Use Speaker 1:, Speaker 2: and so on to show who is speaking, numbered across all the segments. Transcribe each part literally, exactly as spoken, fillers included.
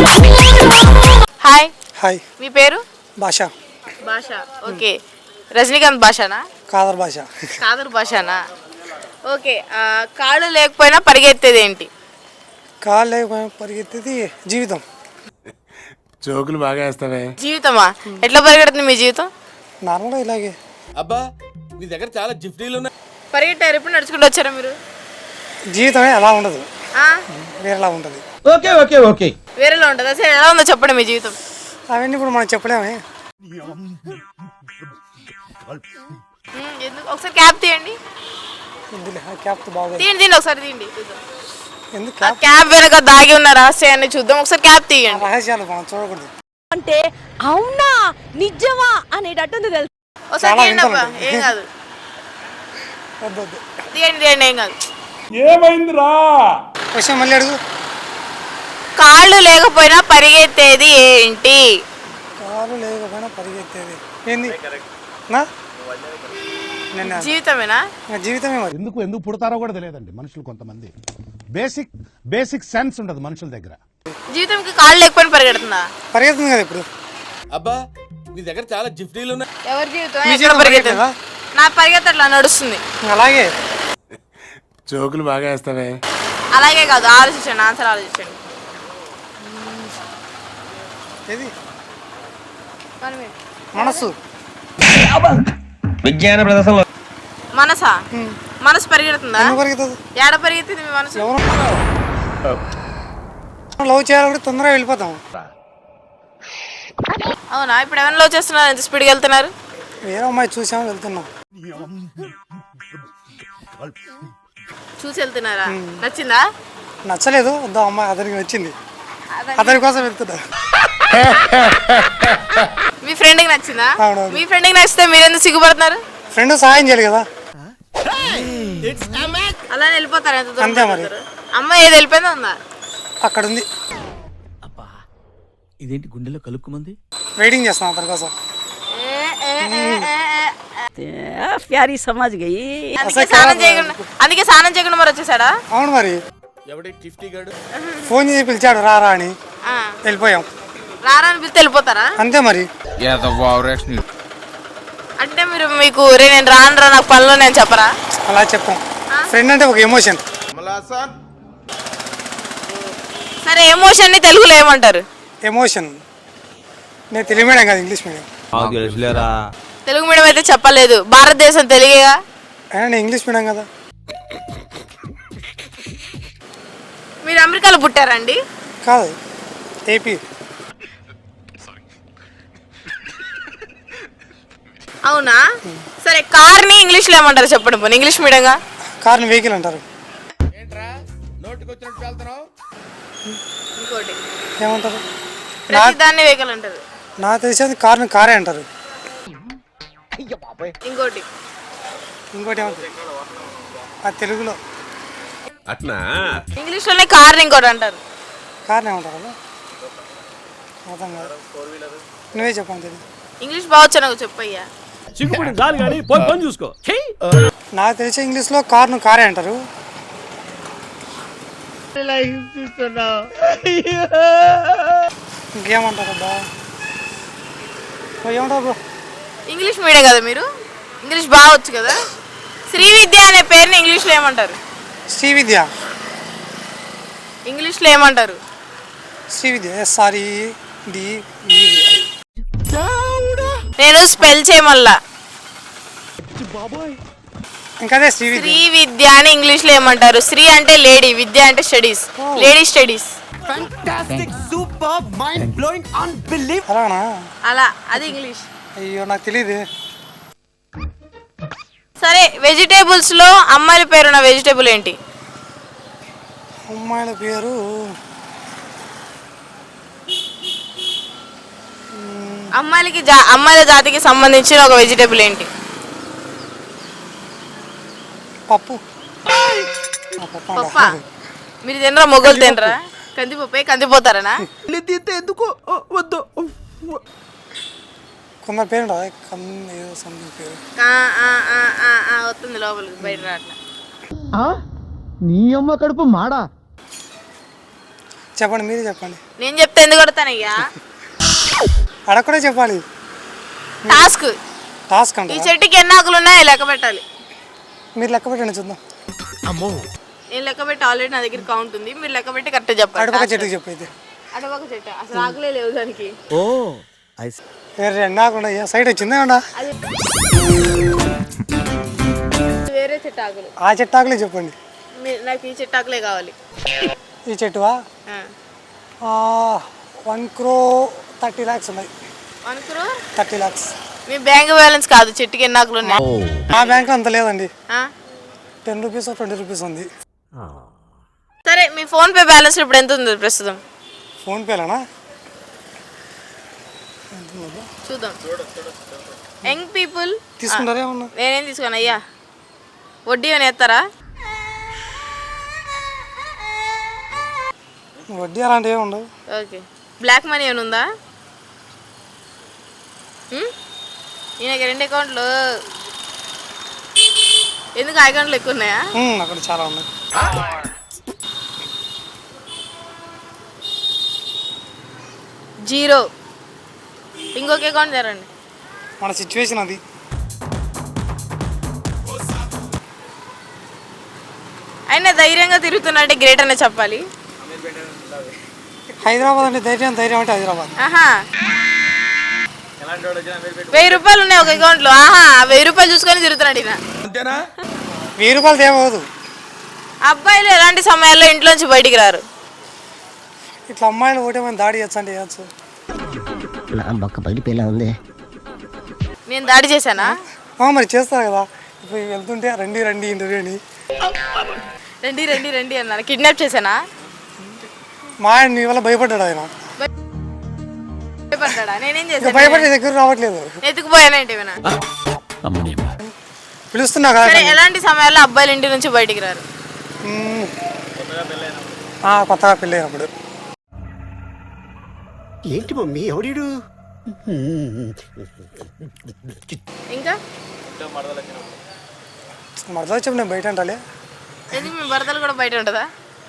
Speaker 1: Hi
Speaker 2: hi
Speaker 1: మీ పేరు?
Speaker 2: భాష.
Speaker 1: భాష. ఓకే. రజనీకాంత్ భాషనా?
Speaker 2: కాదర్ భాష.
Speaker 1: కాదర్ భాషనా? ఓకే. ఆ, కాళ్ళు లేకపోయినా పరిగెత్తేది ఏంటి?
Speaker 2: కాళ్ళు లేకపోయినా పరిగెత్తేది జీవితం.
Speaker 3: జోకులు బాగా వేస్తావే.
Speaker 1: జీవితమా? ఎట్లా పరిగెడుతుంది మీ జీవితం?
Speaker 2: నార్మల్గా ఇలాగే.
Speaker 3: అబ్బా నీ దగ్గర చాలా జిఫ్టీలు ఉన్నాయి.
Speaker 1: పరిగెట్టారు, ఎప్పుడు నడుచుకుంటూ వచ్చారా మీరు?
Speaker 2: జీవితమే అలా ఉండదు,
Speaker 1: ఆ?
Speaker 2: వేరేలా ఉంటుంది.
Speaker 4: ఓకే ఓకే ఓకే
Speaker 1: వేరేలా ఉంటుంది. అసలు ఎలా ఉందో చెప్పండి మీ జీవితం.
Speaker 2: అవన్నీ ఇప్పుడు మనం చెప్పలేమే.
Speaker 1: ఉమ్, ఎందుకు? ఒకసారి క్యాప్ తీయండి.
Speaker 2: ఇందులో క్యాప్ బాగా
Speaker 1: తీయండి తీయండి ఒకసారి తీయండి చూద్దాం.
Speaker 2: ఎందుకు
Speaker 1: ఆ
Speaker 2: క్యాప్
Speaker 1: క్యాప్ వెనక దాగి ఉన్న రహస్యాన్ని చూద్దాం. ఒకసారి క్యాప్ తీయండి.
Speaker 2: రహస్యాలు మనం చూడకూడదు.
Speaker 5: అంటే అవునా నిజమా అనేటట్టుంది తెలుసు.
Speaker 1: ఒకసారి
Speaker 2: చాలా
Speaker 1: తీయండి అబ్బా,
Speaker 2: వింతలు
Speaker 1: ఏం కాదు.
Speaker 2: వద్దు వద్దు.
Speaker 1: తీయండి తీయండి, ఏం కాదు.
Speaker 2: క్వశ్చన్ మళ్ళీ అడుగు.
Speaker 1: కాళ్ళు లేకపోయినా పరిగెత్తేది ఏంటి?
Speaker 2: కాలు లేకపోయినా పరిగెత్తేది ఏంది? నా నిన్న
Speaker 1: జీవితమేనా?
Speaker 2: నా జీవితమే మరి.
Speaker 6: ఎందుకు ఎందుకు పుడతారో కూడా తెలియదండి మనుషులు. కొంతమంది బేసిక్ బేసిక్ సెన్స్ ఉండదు మనుషుల దగ్గర.
Speaker 1: జీవితంకి కాళ్ళు లేకపోయినా పరిగెడుతుందా?
Speaker 2: పరిగెత్తుంది కదా ఇప్పుడు.
Speaker 3: అబ్బా నీ దగ్గర చాలా జిఫ్టీలు ఉన్నాయి.
Speaker 1: ఎవరి జీవితం
Speaker 2: మీ
Speaker 1: ఎక్కడ
Speaker 2: జీవితం
Speaker 1: పరిగెత్తుంది?
Speaker 2: పరిగెత్తదా?
Speaker 1: నా పరిగెత్త అట్లా నడుస్తుంది.
Speaker 2: అలాగే
Speaker 3: జోకులు బాగా వేస్తావే.
Speaker 1: అలాగే కాదు, ఆలోచించండి, ఆన్సర్ ఆలోచించండి.
Speaker 2: ఏది
Speaker 1: మనమే.
Speaker 2: మనసు.
Speaker 4: విజ్ఞాన ప్రదర్శనలో
Speaker 1: మనసా? మనసు పరిగెడుతుందా?
Speaker 2: ఎందుకు పరిగెత్తదు?
Speaker 1: ఏడ పరిగెత్తింది మీ మనసు?
Speaker 2: ఎవరు లవ్ చేయాలంటే తొందరగా వెళ్ళిపోతాం.
Speaker 1: అవునా? ఇప్పుడు ఎవరైనా లవ్ చేస్తున్నారు, ఎంత స్పీడ్గా వెళ్తున్నారు?
Speaker 2: వేరే అమ్మాయి చూసాము వెళ్తున్నాం.
Speaker 1: చూసి వెళ్తున్నారా? నచ్చిందా?
Speaker 2: నచ్చలేదు, వద్దా అమ్మాయి అతనికి నచ్చింది, అతని కోసం వెళ్తున్నా.
Speaker 1: మీ ఫ్రెండ్కి నచ్చిందా?
Speaker 2: అవునవును.
Speaker 1: మీ ఫ్రెండ్కి నచ్చితే మీరు ఎందుకు సిగ్గుపడుతున్నారు?
Speaker 2: ఫ్రెండ్ సహాయం చేయాలి కదా.
Speaker 1: అలా వెళ్ళిపోతారు, ఎంత దూరం
Speaker 2: అంతే మరి.
Speaker 1: వెళ్ళిపోతారు? అమ్మాయి ఏది వెళ్ళిపోయిందో ఉందా?
Speaker 2: అక్కడ ఉంది,
Speaker 4: ఇదేంటి గుండెలో కలుక్కుమంది.
Speaker 2: వెయిటింగ్ చేస్తాం అతని కోసం.
Speaker 1: ఏ, ఏ, ఏ, ఏ, ఏ.
Speaker 5: ప్యారీ సమాజ్ గయి
Speaker 1: అందుకే స్నానం చేయకుండా అందుకే స్నానం చేయకుండా మరి వచ్చేసాడా?
Speaker 2: అవును మరి.
Speaker 3: ఎవడి టిఫ్టీ గాడు
Speaker 2: ఫోన్ చేసి పిలిచాడు రారా అని,
Speaker 1: ఆ.
Speaker 2: వెళ్ళిపోయాం.
Speaker 1: రారా అని పిలిస్తే వెళ్ళిపోతారా?
Speaker 2: అంతే మరి.
Speaker 1: అంటే మీరు మీకు రే నేను రాను రా నాకు పనిలో నేను చెప్పరా?
Speaker 2: అలా చెప్పాం. ఫ్రెండ్ అంటే ఒక ఎమోషన్.
Speaker 1: సరే, ఎమోషన్ ని తెలుగులో ఏమంటారు?
Speaker 2: ఎమోషన్. నేను తెలుగు మీడియం కాదు, ఇంగ్లీష్ మీడియం.
Speaker 1: తెలుగు మీడియం అయితే చెప్పలేదు, భారతదేశం తెలుగేగా.
Speaker 2: అయినా నేను ఇంగ్లీష్ మీడియం కదా.
Speaker 1: మీరు అమెరికాలో పుట్టారండి?
Speaker 2: కాదు, ఏపీ.
Speaker 1: అవునా? సరే, కార్ ని ఇంగ్లీష్ లో ఏమంటారు చెప్పండి పోనీ, ఇంగ్లీష్ మీడియంగా.
Speaker 2: కార్ని వెహికల్ అంటారు.
Speaker 3: ఏంట్రా నోటికి వచ్చినట్టు వెళ్తున్నావు?
Speaker 1: ఇంకోటి
Speaker 2: ఏమంటారు?
Speaker 1: ప్రతి దాన్ని వెహికల్ అంటారు.
Speaker 2: నాకు తెలిసేది కార్ని కారే అంటారు.
Speaker 1: ఇంకోటి
Speaker 2: ఇంకోటి ఏమంటారు? అది తెలుగులో
Speaker 3: అట్నా
Speaker 1: ఇంగ్లీష్ లోనే కార్ ని ఇంకోటి అంటారు.
Speaker 2: కార్ని ఏమంటారు? అలా అర్థం కాదు, నువ్వే చెప్పాను తెలియదు.
Speaker 1: ఇంగ్లీష్ బాగొచ్చు నాకు చెప్పయ్యా.
Speaker 4: చిక్కుపుడి చాలు కానీ పోయి పని చూసుకో.
Speaker 2: నాకు తెలిసే ఇంగ్లీష్లో కార్ను కారే అంటారు. ఇంకేమంటారు అబ్బా? ఏమంటారు బ్రో?
Speaker 1: ఇంగ్లీష్ మీడియం కదా మీరు, ఇంగ్లీష్ బాగొచ్చు కదా. శ్రీ విద్య అనే పేరుని ఇంగ్లీష్ లో ఏమంటారు?
Speaker 2: శ్రీ విద్య.
Speaker 1: ఇంగ్లీష్ లో ఏమంటారు?
Speaker 2: శ్రీ విద్య ఎస్ఆర్ఈ డి
Speaker 1: నేను స్పెల్ చేయమల్లా.
Speaker 2: ఇంకా అదే శ్రీ విద్య.
Speaker 1: శ్రీ విద్య అని ఇంగ్లీష్ లో ఏమంటారు? శ్రీ అంటే లేడీ, విద్య అంటే స్టడీస్, లేడీ స్టడీస్.
Speaker 2: అలానా?
Speaker 1: అలా అది ఇంగ్లీష్.
Speaker 2: అయ్యో నాకు తెలియదు.
Speaker 1: సరే, వెజిటేబుల్స్ లో అమ్మాయిల పేరున్న వెజిటేబుల్ ఏంటి?
Speaker 2: అమ్మాయిల పేరు
Speaker 1: అమ్మాయిలకి జా అమ్మాయిల జాతికి సంబంధించిన ఒక వెజిటేబుల్ ఏంటి?
Speaker 2: పప్పు. ఆ, పప్పు అంట.
Speaker 1: పప్ప. మీరు తినరా? మొగలు తినరా? కందిపప్పే. కందిపోతారనా?
Speaker 4: ఎందుకు వద్దు.
Speaker 2: కొందరు పేరు ఉంటుంది, కన్ను ఏదో సంథింగ్ పేరు.
Speaker 1: ఆ, ఆ, ఆ, ఆ, ఆ, వస్తుంది లోపలికి, బయట రాట్లా.
Speaker 4: నీ అమ్మ కడుపు మాడా.
Speaker 2: చెప్పండి మీరే చెప్పండి.
Speaker 1: నేను చెప్తే ఎందుకు కొడతానయ్యా?
Speaker 2: అడగ చెప్పాలి.
Speaker 1: టాస్క్.
Speaker 2: టాస్క్
Speaker 1: ఈ
Speaker 2: అంటే
Speaker 1: చెట్టుకి ఎన్ని ఆకులు ఉన్నాయో లెక్క పెట్టాలి.
Speaker 2: మీరు లెక్క పెట్టండి చూద్దాం.
Speaker 1: నేను లెక్క పెట్టి ఆల్రెడీ నా దగ్గర కౌంట్ ఉంది. మీరు లెక్క పెట్టి కరెక్ట్ చెప్పాలి.
Speaker 2: అటుపక్క చెట్టుకి చెప్పైతే.
Speaker 1: అటుపక్క చెట్టు అసలు ఆకులే లేవు దానికి.
Speaker 4: ఓ
Speaker 2: వేరే రెండు ఆకులు ఉన్నాయి. సైడ్ వచ్చిందా ఏమన్నా?
Speaker 1: అది వేరే చెట్టు ఆకులు.
Speaker 2: ఆ చెట్టు ఆకులే చెప్పండి.
Speaker 1: మీ- నాకు ఈ చెట్టు ఆకులే కావాలి.
Speaker 2: ఈ చెట్టువా
Speaker 1: ఆ.
Speaker 2: వన్ క్రో థర్టీ ల్యాక్స్ ఉన్నాయి.
Speaker 1: వన్ క్రోర్?
Speaker 2: థర్టీ ల్యాక్స్
Speaker 1: మీ బ్యాంక్ బ్యాలెన్స్ కాదు, చెట్టుకి ఎన్ని ఆకులు ఉన్నాయి.
Speaker 2: ఆ బ్యాంక్లో అంత లేదండి.
Speaker 1: ఆ?
Speaker 2: టెన్ రూపీస్ ట్వంటీ రూపీస్ ఉంది.
Speaker 1: సరే మీ ఫోన్ పే బ్యాలెన్స్ ఇప్పుడు ఎంత ఉంది ప్రస్తుతం?
Speaker 2: ఫోన్పేలోనా?
Speaker 1: చూద్దాం. యంగ్ పీపుల్
Speaker 2: తీసుకుంటారా ఏమన్నా?
Speaker 1: నేనేం తీసుకోను అయ్యా. వడ్డీ అని ఎత్తారా?
Speaker 2: వడ్డీ అలాంటివి ఏమి ఉండవు.
Speaker 1: ఓకే. బ్లాక్ మనీ ఏమైనా ఉందా? ఉమ్? ఈయనకి రెండు అకౌంట్లు. ఎందుకు ఆ అకౌంట్లు ఎక్కువ ఉన్నాయా?
Speaker 2: ఉమ్, అక్కడ చాలా ఉన్నాయి.
Speaker 1: జీరో. ఇంకొక అకౌంట్ తెరండి.
Speaker 2: మన సిచ్యువేషన్ అది.
Speaker 1: అయినా ధైర్యంగా తిరుగుతున్నట్టే గ్రేట్ అనే చెప్పాలి.
Speaker 2: హైదరాబాద్ అంటే ధైర్యం, ధైర్యం అంటే హైదరాబాద్.
Speaker 1: ఆహా, వెయ్యి రూపాయలు ఉన్నాయి ఒక అకౌంట్లో. ఆహా, వెయ్యి రూపాయలు చూసుకొని తిరుగుతున్నాడు ఈయన.
Speaker 3: అంతేనా?
Speaker 2: వెయ్యి రూపాయలు తేవదు.
Speaker 1: అబ్బాయిలు ఎలాంటి సమయాల్లో ఇంట్లోంచి బయటికి రారు?
Speaker 2: ఇట్లా అమ్మాయిలు ఒకటే మనం దాడి చేయొచ్చు అంటే చేయొచ్చు.
Speaker 7: నా బొక్క పగిలిపోయేలా ఉంది.
Speaker 1: నేను దాడి చేశానా?
Speaker 2: ఆ, మరి చేస్తారు కదా. ఇప్పుడు వెళ్తుంటే రండి రండి ఇంటర్వ్యూ అని
Speaker 1: రండి రండి రండి అన్నాను. కిడ్నాప్ చేశానా?
Speaker 2: మా ఆయన నీ వల్ల భయపడ్డాడు. ఆయన
Speaker 1: భయపడ్డా? నేనేం
Speaker 2: ఇంకా
Speaker 1: చేశాను?
Speaker 2: భయపడి నీ దగ్గర రావట్లేదు.
Speaker 1: ఎత్తుకుపోయానంటే ఏమైనా?
Speaker 2: పిలుస్తున్నా కదా.
Speaker 1: సరే, ఎలాంటి సమయాల్లో అబ్బాయిలు ఇంటి నుంచి బయటికి రారు?
Speaker 2: ఉమ్. ఆ, కొత్తగా పెళ్ళి అయినప్పుడు.
Speaker 7: ఏంటి మమ్మీ ఎవడీడు?
Speaker 1: ఇంకా
Speaker 2: మరదా చెప్పు, నేను బయట అంటాలే.
Speaker 1: ఎందుకు మీ భర్తలు కూడా బయట ఉంటుందా?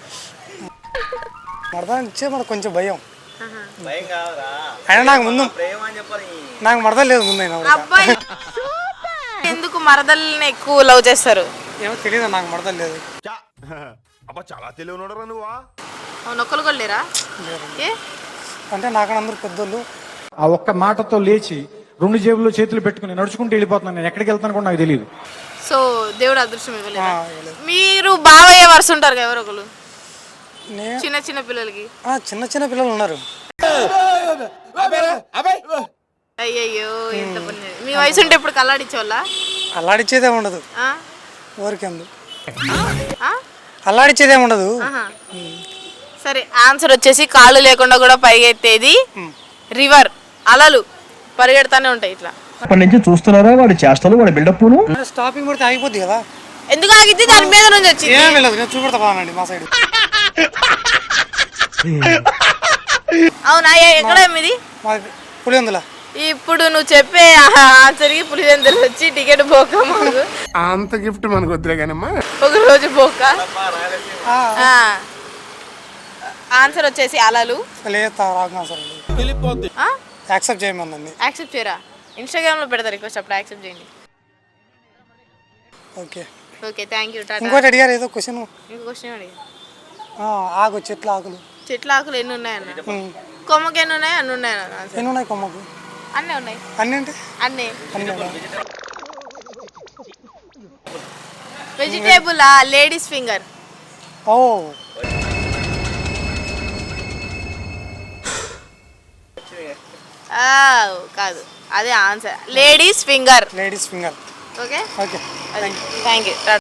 Speaker 2: మరదా ఇచ్చే మనకు కొంచెం భయం. అయినా నాకు ముందు నాకు మరదా లేదు ముందు. అయినా కూడా
Speaker 1: అబ్బాయి ఎందుకు మరదల్ని ఎక్కువ లవ్ చేస్తారు?
Speaker 2: ఏమో తెలియదు, నాకు మరదా లేదు.
Speaker 3: అబ్బా చాలా తెలివి ఉన్నాడు నువ్వా.
Speaker 1: అవును, ఒక్కరు కూడా లేరా? ఏ?
Speaker 2: అంటే నాకన్నా అందరూ పెద్దోళ్ళు.
Speaker 8: ఆ ఒక్క మాటతో లేచి రెండు జేబుల్లో చేతులు పెట్టుకుని నడుచుకుంటూ వెళ్ళిపోతున్నాను. నేను ఎక్కడికి వెళ్తాను కూడా నాకు తెలియదు.
Speaker 1: సో దేవుడు అదృష్టం ఇవ్వలేదు.
Speaker 2: ఆ, ఇవ్వలేదు.
Speaker 1: మీరు బావయ్య వరుస ఉంటారు కదా ఎవరు ఒకరు,
Speaker 2: నే-
Speaker 1: చిన్న చిన్న పిల్లలకి.
Speaker 2: ఆ, చిన్న చిన్న పిల్లలు ఉన్నారు.
Speaker 1: అయ్యయ్యో, ఎంత పని చేయ- మీ వయసు ఉంటే ఇప్పుడు కల్లాడిచ్చేవాళ్ళ?
Speaker 2: అల్లాడిచ్చేదే ఉండదు. ఊరికెందు అల్లాడిచ్చేదే ఉండదు.
Speaker 1: సరే, ఆన్సర్ వచ్చేసి కాళ్ళు లేకుండా కూడా పరిగెత్తేది రివర్. అలలు పరిగెడతానే ఉంటాయి ఇట్లా.
Speaker 4: అప్పటి నుంచి చూస్తున్నారా వాడి చేష్టలు, వాడి బిల్డప్.
Speaker 2: స్టాపింగ్ పడితే ఆగిపోద్ది కదా.
Speaker 1: ఎందుకు ఆగిద్ది? దాని మీద నుంచి వచ్చింది.
Speaker 2: ఏం వెళ్ళదు, నేను చూపెడతా బాగానండి మా సైడ్.
Speaker 1: అవునా? ఎక్కడ ఇది?
Speaker 2: మా పులివెందుల.
Speaker 1: ఇప్పుడు నువ్వు చెప్పే ఆన్సర్కి పులివెందులు వచ్చి టికెట్ పోక మాకు
Speaker 3: అంత గిఫ్ట్ మనకు వద్దులే కానమ్మా.
Speaker 1: ఒక రోజు పోక. ఆన్సర్ వచ్చేసి అలలు.
Speaker 2: లేదు, రాకు సార్. యాక్సెప్ట్ చేయమందండి.
Speaker 1: యాక్సెప్ట్ చేయరా? ఇన్స్టాగ్రామ్లో పెడతారు రిక్వెస్ట్, అప్పుడు యాక్సెప్ట్ చేయండి.
Speaker 2: Okay
Speaker 1: okay, thank you, tata.
Speaker 2: ఇంకోటి అడిగారు ఏదో క్వశ్చన్.
Speaker 1: ఇంకో క్వశ్చన్ అడిగి.
Speaker 2: ఆకు చెట్ల ఆకులు
Speaker 1: చెట్ల ఆకులు ఎన్ని ఉన్నాయన్న? కొమ్మకి ఎన్ని ఉన్నాయి? అన్ని ఉన్నాయి అన్న.
Speaker 2: ఎన్ని ఉన్నాయి కొమ్మకు?
Speaker 1: అన్నీ ఉన్నాయి.
Speaker 2: అన్ని అంటే
Speaker 1: అన్నీ.
Speaker 2: అన్ని.
Speaker 1: Vegetable ladies finger.
Speaker 2: ఓ,
Speaker 1: కాదు, అదే answer. Ladies finger.
Speaker 2: Ladies finger.
Speaker 1: Okay
Speaker 2: okay,
Speaker 1: thank you, Tata.